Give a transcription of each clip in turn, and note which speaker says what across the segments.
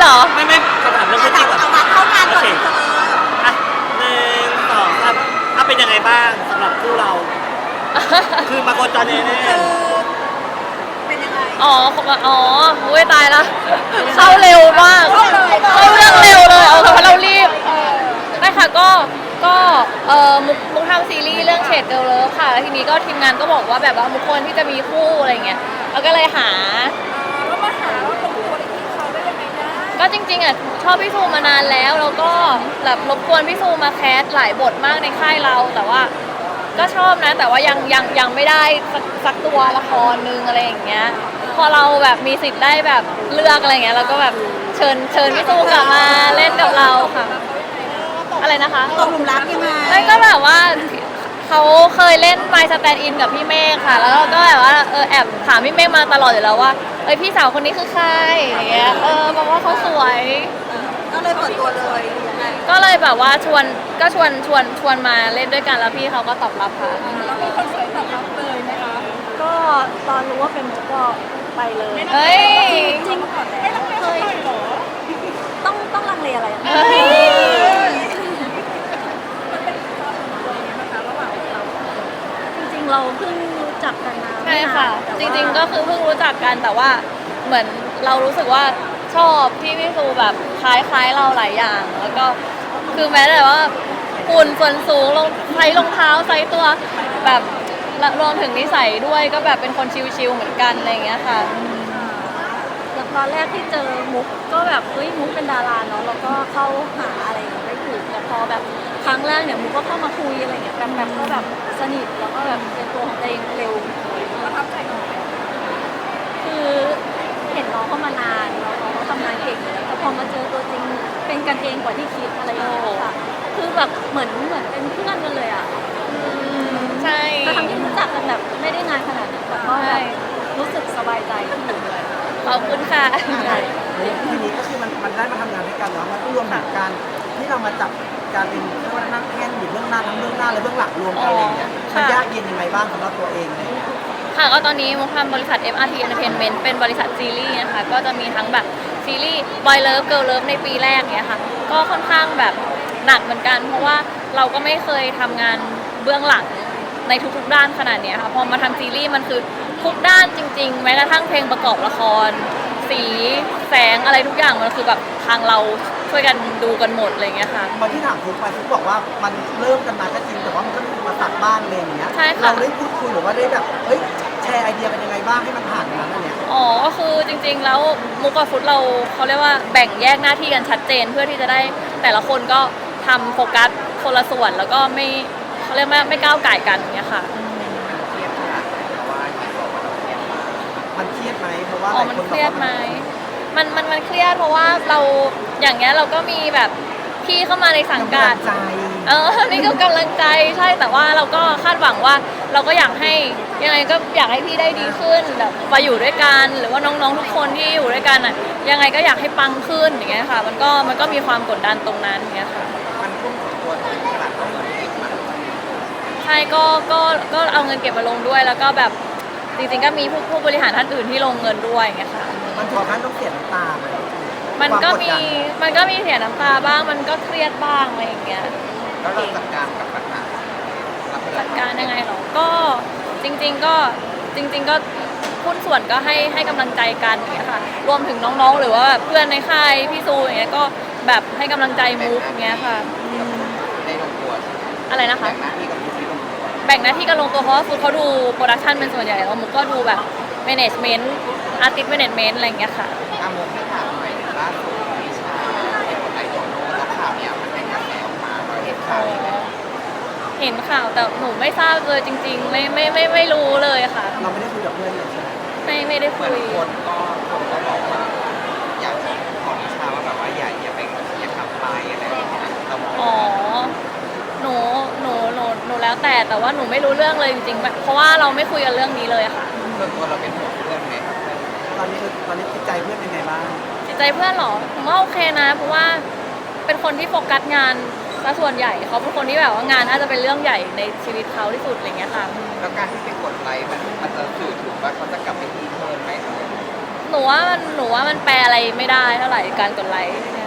Speaker 1: เหรอ
Speaker 2: ไม่คำถามเรื่องคู่จิ้นก่อน
Speaker 3: เอาเข้างานก่อน
Speaker 2: อ่ะ1 2 3เป็นยังไงบ้างสำหรับคู่เรา คือมาโคจรแน่
Speaker 3: เป็นยังไง
Speaker 1: อุ้ยตายละเข้าเร็วมากเข้าเรื่องเร็วเลยเอาเพราะเรารีบไม่ค่ะก็มุกทำซีรีส์เรื่องเฉดเกิร์ลเลิฟค่ะแล้วทีนี้ก็ทีมงานก็บอกว่าแบบว่ามุกควรที่จะมีคู่อะไรเงี้ยเราก็เลยหา
Speaker 3: แล้วมาหาว่าคนคู่อะไรที่เขาได้ยังไงได้
Speaker 1: ก็จริงๆอ่ะชอบพี่ซูมานานแล้วก็แบบรบกวนพี่ซูมาแคสหลายบทมากในค่ายเราแต่ว่าก็ชอบนะแต่ว่ายังไม่ได้สักตัวละครนึงอะไรอย่างเงี้ยพอเราแบบมีสิทธิ์ได้แบบเลือกอะไรเงี้ยเราก็แบบเชิญพี่ซูกลับมาเล่นกับเราค่ะอะไรนะคะ
Speaker 3: ตกหลุมรักยังไง
Speaker 1: ไม่ก็แบบว่าเขาเคยเล่น My Stand In กับพี่เมฆค่ะแล้วก็แบบว่าแอบถามพี่เมฆมาตลอดอยู่แล้วว่าพี่สาวคนนี้คือใครอย่างเงี้ยบอกว่าเขาสวย
Speaker 3: ก็เลยเปิดตัวเลยยังไง
Speaker 1: ก็เลยแบบว่าชวนมาเล่นด้วยกันแล้วพี่เขาก็ตอบรับค่ะ
Speaker 3: แล้วมีคนสวยตอบรับเลยไหมคะ
Speaker 4: ก็ตอนรู้ว่าเป็นมุกก็ไปเลย
Speaker 1: เฮ้ย
Speaker 3: จริงก่อนแล้วเคยต้องลังเลอะไร
Speaker 4: จริงๆเราเพิ่งรู้จักกันมา
Speaker 1: ใช่ค่ะจริงๆก็คือเพิ่งรู้จักกันแต่ว่าเหมือนเรารู้สึกว่าชอบพี่ซูแบบคล้ายเราหลายอย่างแล้วก็คือแม้แต่ว่าหุ่นส่วนสูงใส่รองเท้าใส่ตัวแบบรวมถึงนิสัยด้วยก็แบบเป็นคนชิลๆเหมือนกันอะไรอย่างเงี้ยค่ะ
Speaker 4: แล้วตอนแรกที่เจอมุกก็แบบมุกเป็นดาราเนาะแล้วก็เข้าหาอะไรไม่ถูกแต่พอแบบครั้งแรกเนี่ยมุกก็เข้ามาคุยอะไรเงี้ยแบบก็แบบสนิทแล้วก็แบบเป็นตัวของตัวเองเร็ว
Speaker 3: ประทับใจน้อง
Speaker 4: คือเห็นน้องเข้ามานานแล้วน้องเขาทำงานเก่งเลยแต่พอมาเจอตัวจริงเป็นกันเองกว่าที่คิดอะไรอย่างเงี้ยค่ะคือแบบเหมือนเป็นเพื่อนกันเลยอ่ะ
Speaker 1: ใช่
Speaker 4: ทั้งที่รู้จักกันแบบไม่ได้นานขนาดนั้นแต่ก็แบบรู้สึกสบายใจที่อยู่ด้วย
Speaker 1: ขอบคุณค่ะ
Speaker 2: ทีนี้ก็คือมันได้มาทำงานด้วยกันแล้วมันรวมถึงการที่เรามาจับการเป็นเรื่องนั่งแท่นอยู่เบื้องหน้าทั้งเบื้องหน้าและเบื้องหลังรวมกันอะไรเงี้ยมันยากเย็นยังไงบ้างสำหรับตัวเองเลย
Speaker 1: ค่ะก็ตอนนี้มุกทำบริษัท MRT Entertainment เป็นบริษัทซีรีส์นะคะก็จะมีทั้งแบบซีรีส์ Boy Love Girl Love ในปีแรกเนี้ยค่ะก็ค่อนข้างแบบหนักเหมือนกันเพราะว่าเราก็ไม่เคยทำงานเบื้องหลังในทุกๆด้านขนาดนี้ค่ะพอมาทำซีรีส์มันคือทุกด้านจริงๆแม้กระทั่งเพลงประกอบละครสีแสงอะไรทุกอย่างมันคือแบบทางเราช่วยกันดูกันหมดอะไรเงี้ยค่ะ
Speaker 2: ตอนที่ถามคุณไปคุณบอกว่ามันเริ่มกันมาก็จริงแต่ว่ามันก็มีมาตัดบ้านเลยอย่างเงี้ยเราได้พูดคุยหรือว่าได้แบบแชร์ไอเดียเป็นยังไงบ้างให้มันผ่านนั้นเนี่ย
Speaker 1: ก็คือจริงๆแล้วมุกกับฟุตเขาเรียกว่าแบ่งแยกหน้าที่กันชัดเจนเพื่อที่จะได้แต่ละคนก็ทำโฟกัสคนละส่วนแล้วก็ไม่เขาเรียกว่าไม่ก้าวไก่กันอย่างเงี้ยค่ะ
Speaker 2: มันเครียดไหมเพราะว่า
Speaker 1: มันเครียดไหมมันเครียดเพราะว่าเราอย่างเงี้ยเราก็มีแบบพี่เข้ามาในสังกัดนี่ก็กำลังใจใช่แต่ว่าเราก็คาดหวังว่าเราก็อยากให้ยังไงก็อยากให้พี่ได้ดีขึ้นแบบมาอยู่ด้วยกันหรือว่าน้องๆทุกคนที่อยู่ด้วยกันอ่ะยังไงก็อยากให้ปังขึ้นอย่างเงี้ยค่ะมันก็มีความกดดันตรงนั้นอย่างเงี้ยค่ะ
Speaker 2: มันพุ่งตัวขนาดไหน
Speaker 1: ใช่ก็เอาเงินเก็บมาลงด้วยแล้วก็แบบจริงๆก็มีผู้บริหารท่านอื่นที่ลงเงินด้วยอย่างเงี้ยค่ะ
Speaker 2: มันถึงขั้นต้องเสียน้ำตาไหม
Speaker 1: มันก็มีเสียน้ำตาบ้างมันก็เครียดบ้างอะไรอย่างเงี้ย
Speaker 2: แล้วเราจัดการกับปัญหา
Speaker 1: จัดการยังไงหรอก็จริงๆก็หุ้นส่วนก็ให้กำลังใจกันอย่างเงี้ยค่ะรวมถึงน้องๆหรือว่าเพื่อนในค่ายพี่ซูอย่างเงี้ยก็แบบให้กำลังใจมุกอย่างเงี้ยค่ะ
Speaker 2: ได้ลงตัว
Speaker 1: อะไรนะคะแบ่งหน้าที่กันลงตัวเพราะว่าฟุตเขาดูโปรดักชันเป็นส่วนใหญ่แล้วมุกก็ดูแบบแมネจเมนต์อาร์ติสต์แมเนจเมนต์อะไรอย่างเงี้ยค่ะ
Speaker 2: มุกให้ถามหน่อยล่าสุดวิชาในบทไอโตโน่แล้วข่าวเนี่ยมันเป็นกระแสออกมาเราเห็นข่าว
Speaker 1: เห็นข่าวแต่หนูไม่ทราบเลยจริงๆไม่รู้เลยค่ะ
Speaker 2: เราไม่ได้คุยกับเพื่อนเลยใช่ไหม
Speaker 1: ไม่ได้คุย
Speaker 2: คนก็บอกว่าอยากของวิชาว่าแบบว่าอย่าไปอย่าทำไปอะไรอย่างเงี้ย
Speaker 1: หนูแล้วแต่ว่าหนูไม่รู้เรื่องเลยจริงๆเพราะว่าเราไม่คุยกันเรื่องนี้เลยค่ะ
Speaker 2: ส่วนตัวเราเป็นห่วงเพื่อนไหมตอนนี้จิตใจเพื่อนเป็นไงบ้าง
Speaker 1: จิตใจเพื่อนหรอผมว่าโอเคนะเพราะว่าเป็นคนที่โฟกัสงานซะส่วนใหญ่เขาเป็นคนที่แบบว่างานน่าจะเป็นเรื่องใหญ่ในชีวิตเขาที่สุดอะไรเงี้ยค่ะ
Speaker 2: แล้วการที่ไปกดไลค์มันจะสื่อถึงว่าเขาจะกลับไปที่เพิ่มไหม
Speaker 1: หนูว่ามันแปลอะไรไม่ได้เท่าไหร่การกดไลค์เนี่ย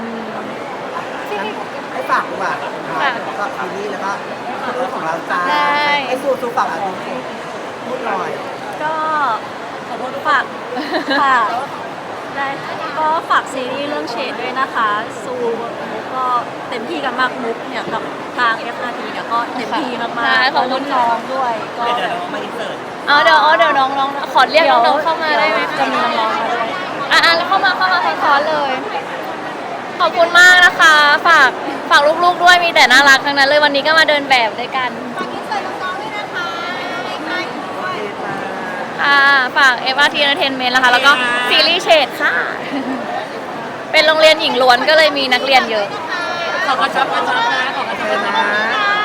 Speaker 2: ให้ฝากดีกว่ากับซีรีส์แล้วก็เรื่องของเราจ้า
Speaker 1: ได้
Speaker 2: ไอ้สู้ฝากอ่ะพูดหน่อย
Speaker 4: ก็ฝากได้ก็ฝากซีรีส์เรื่องเฉดด้วยนะคะซูมุกก็เต็มที่กันมากมุกเนี่ยกับทาง FRT เนี่ยก็เต็มที่มาก
Speaker 1: ใช่
Speaker 4: ๆ
Speaker 1: ขอบคุณ
Speaker 4: น้องๆด้วยก็
Speaker 2: เดี๋ยวเรามาอินเสิร์ต
Speaker 1: เดี๋ยวน้องขอเรียกน้องๆเข้ามาได้ไหม
Speaker 4: จะมีน้องๆมาด้วย
Speaker 1: เข้ามาซ้อนๆเลย ขอบคุณมากนะคะ ฝากลูกๆด้วยมีแต่น่ารักทั้งนั้นเลยวันนี้ก็มาเดินแบบด้วยกัน
Speaker 3: ฝากอินเสิร์ตน้องๆด้วยนะคะใครๆด้วย
Speaker 1: ค่ะฝาก FRT Entertainment นะคะ แล้วก็ซีรีส์เฉดค่ะ เป็นโรงเรียนหญิงล้วนก็เลยมีนักเรียนเยอะ
Speaker 3: ขอบคุณค่ะ
Speaker 2: ขอบคุณนะ